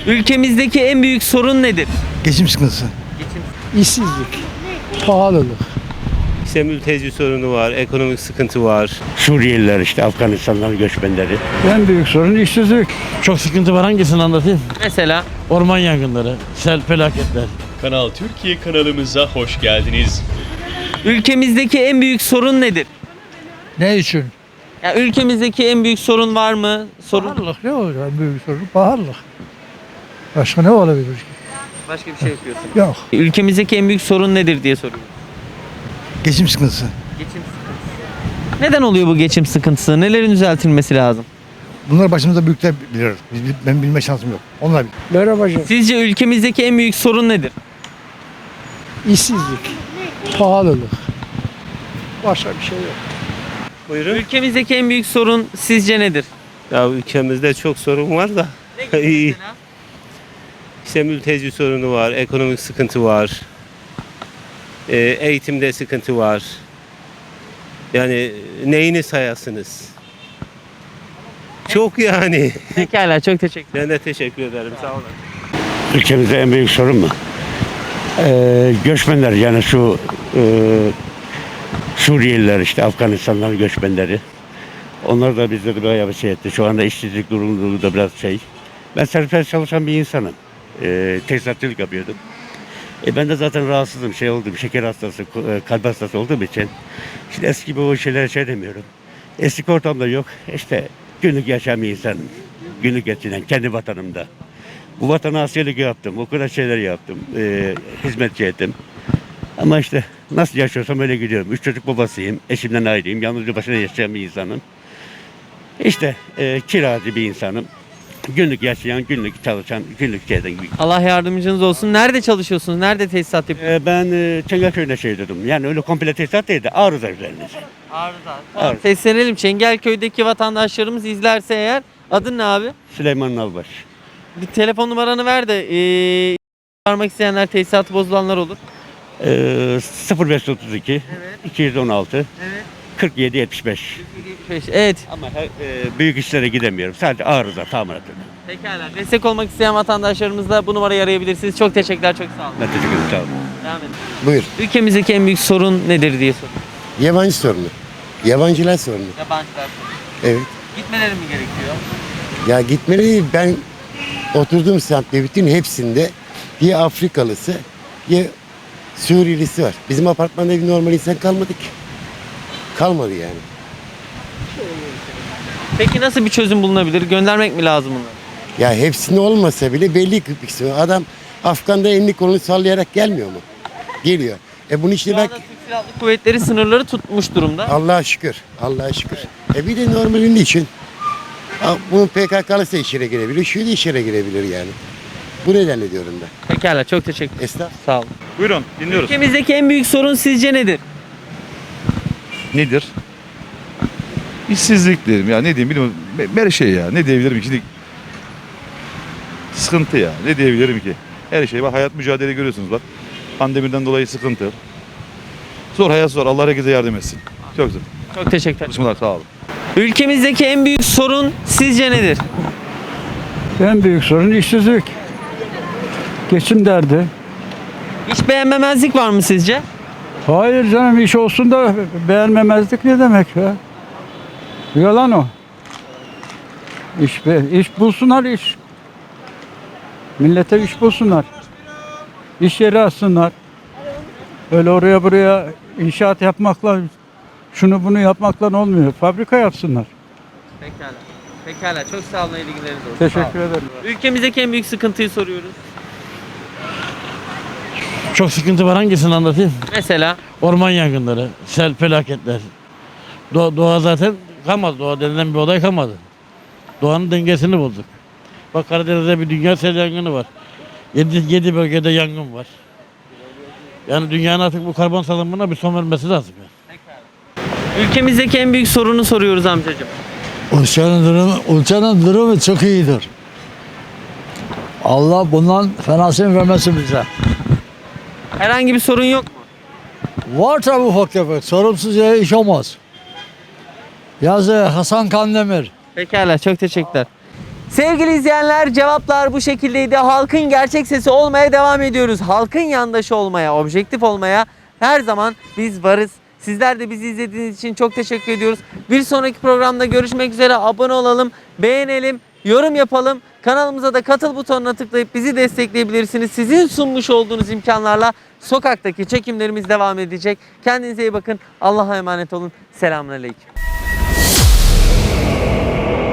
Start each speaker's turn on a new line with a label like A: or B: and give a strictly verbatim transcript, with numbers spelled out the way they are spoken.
A: Ülkemizdeki en büyük sorun nedir?
B: Geçim sıkıntısı.
C: İşsizlik, pahalılık.
D: İşte mülteci sorunu var, ekonomik sıkıntı var.
E: Suriyeliler işte Afganistan'dan göçmenleri.
C: En büyük sorun işsizlik.
F: Çok sıkıntı var, hangisini anlatayım?
A: Mesela
F: Orman yangınları, sel felaketler.
G: Kanal Türkiye kanalımıza hoş geldiniz.
A: ülkemizdeki en büyük sorun nedir?
C: Ne için?
A: Ya ülkemizdeki en büyük sorun var mı? Sorun
C: Pahalılık ne olacak? En büyük sorun pahalılık. Başka ne olabilir ki?
A: başka bir şey yapıyorsun.
C: Yok.
A: Ülkemizdeki en büyük sorun nedir diye soruyorum.
B: Geçim sıkıntısı.
A: Geçim sıkıntısı. Neden oluyor bu geçim sıkıntısı? Nelerin düzeltilmesi lazım?
B: Bunlar başımızda büyükler bilir. Biz, ben bilme şansım yok. Onlar bilir.
C: Merhaba hocam.
A: Sizce ülkemizdeki en büyük sorun nedir?
C: İşsizlik, pahalılık. Başka bir şey yok.
D: Buyurun.
A: Ülkemizdeki en büyük sorun sizce nedir?
D: Ya ülkemizde çok sorun var da.
A: Ne
D: İyi. İşte mülteci sorunu var, ekonomik sıkıntı var. Ee, eğitimde sıkıntı var. Yani neyini sayasınız? Çok yani.
A: Pekala, çok teşekkür ederim.
D: Ben de teşekkür ederim. Sağ olun.
E: Ülkemizde en büyük sorun mu? Ee, göçmenler yani şu e, Suriyeliler işte Afganistan'dan göçmenleri. Onlar da bizleri bayağı bir şey etti. Şu anda işsizlik durumu da biraz şey. Ben serbest çalışan bir insanım. Ee, tesisatçılık yapıyordum. E ben de zaten rahatsızım, şey oldum, şeker hastası, e, kalp hastası olduğum için. Şimdi eski gibi o şeylere şey demiyorum. Eski ortamda yok. İşte günlük yaşayan bir insanım. Günlük geçinen kendi vatanımda. Bu vatana askerlik yaptım, o kadar şeyler yaptım. E, hizmetçi ettim. Ama işte nasıl yaşıyorsam öyle gidiyorum. Üç çocuk babasıyım, eşimden ayrıyım, yalnızca başına yaşayan bir insanım. İşte e, kiracı bir insanım. Günlük yaşayan, günlük çalışan, günlük şeyden gibi.
A: Allah yardımcınız olsun. Nerede çalışıyorsunuz? Nerede tesisat yapıyorsunuz?
E: Ee, ben e, Çengelköy'de şey dedim. Yani öyle komple tesisat değil de arıza üzerine.
A: Arıza.
E: Arıza.
A: Seslenelim. Çengelköy'deki vatandaşlarımız izlerse eğer. Adın ne abi?
E: Süleyman Nalbaş.
A: Bir telefon numaranı ver de ee, çağırmak isteyenler, tesisatı bozulanlar olur.
E: Ee, sıfır beş otuz iki
A: Evet.
E: iki yüz on altı
A: Evet.
E: kırk yedi yetmiş beş.
A: Evet.
E: Ama her, e, büyük işlere gidemiyorum. Sadece arıza tamirat ediyorum.
A: Pekala. Destek olmak isteyen vatandaşlarımız da bu numarayı arayabilirsiniz. Çok teşekkürler. Çok sağ olun.
E: Ben teşekkür ederim. Sağ olun.
A: Devam edin.
H: Buyur.
A: Ülkemizdeki en büyük sorun nedir diye soruyorum.
H: Yabancı sorunu. Yabancılar sorunu.
A: Yabancılar sorunu.
H: Evet.
A: Gitmeleri mi gerekiyor?
H: Ya gitmeli ben oturduğum semtte bütün hepsinde ya Afrikalısı ya Suriyelisi var. Bizim apartmanda bir normal insan kalmadı ki. Kalmadı yani.
A: Peki nasıl bir çözüm bulunabilir? Göndermek mi lazım bunları?
H: Ya hepsinde olmasa bile belli bir kısmı. Adam Afgan'da elini kolunu sallayarak gelmiyor mu? Geliyor. E bunun için
A: Şu
H: bak
A: anda Türk Silahlı Kuvvetleri sınırları tutmuş durumda.
H: Allah'a şükür. Allah'a şükür. E bir de normalin için ha, bunun P K K'lısı işine girebilir. Şu da işine girebilir yani. Bu nedenle diyorum ben.
A: Pekala, çok teşekkür ederim.
H: Esnaf.
A: Sağ olun.
G: Buyurun dinliyoruz.
A: Ülkemizdeki en büyük sorun sizce nedir?
I: Nedir? İşsizlik derim ya, ne diyeyim bilmiyorum. Her şey ya, ne diyebilirim ki? Şimdi sıkıntı ya, ne diyebilirim ki? Her şey var, hayat mücadele görüyorsunuz bak. Pandemiden dolayı sıkıntı. Zor, hayat zor, Allah herkese yardım etsin. Çok zor.
A: Çok teşekkür ederim.
I: Bismillah, sağ olun.
A: Ülkemizdeki en büyük sorun sizce nedir?
C: En büyük sorun işsizlik. Geçim derdi.
A: Hiç beğenmemezlik var mı sizce?
C: Hayır canım, iş olsun da beğenmemezlik ne demek ya? Yalan o. İş, be, iş bulsunlar iş. Millete iş bulsunlar. İş yeri açsınlar. Öyle oraya buraya inşaat yapmakla, şunu bunu yapmakla olmuyor. Fabrika yapsınlar.
A: Pekala. Pekala. Çok sağ olun. İyi günleriniz olsun.
C: Teşekkür ederim.
A: Ülkemizdeki en büyük sıkıntıyı soruyoruz.
F: Çok sıkıntı var, hangisini anlatayım?
A: Mesela
F: Orman yangınları, sel felaketler. Doğa, doğa zaten kalmadı. Doğa denilen bir olay kalmadı. Doğanın dengesini bozduk. Bak Karadeniz'de bir dünya sel yangını var. Yedi, yedi bölgede yangın var. Yani dünyanın artık bu karbon salınımına bir son vermesi lazım. Yani.
A: ülkemizdeki en büyük sorunu soruyoruz amcacığım.
C: Ülkenin durumu, ülkenin durumu çok iyidir. Allah bundan fenasını vermesin bize.
A: Herhangi bir sorun yok mu?
C: Var tabi ufak tefek. Sorumsuz yere iş olmaz. Yazı Hasan Kandemir.
A: Pekala. Çok teşekkürler. Sevgili izleyenler, cevaplar bu şekildeydi. Halkın gerçek sesi olmaya devam ediyoruz. Halkın yandaşı olmaya, objektif olmaya her zaman biz varız. Sizler de bizi izlediğiniz için çok teşekkür ediyoruz. Bir sonraki programda görüşmek üzere. Abone olalım, beğenelim, yorum yapalım. Kanalımıza da katıl butonuna tıklayıp bizi destekleyebilirsiniz. Sizin sunmuş olduğunuz imkanlarla sokaktaki çekimlerimiz devam edecek. Kendinize iyi bakın. Allah'a emanet olun. Selamünaleyküm.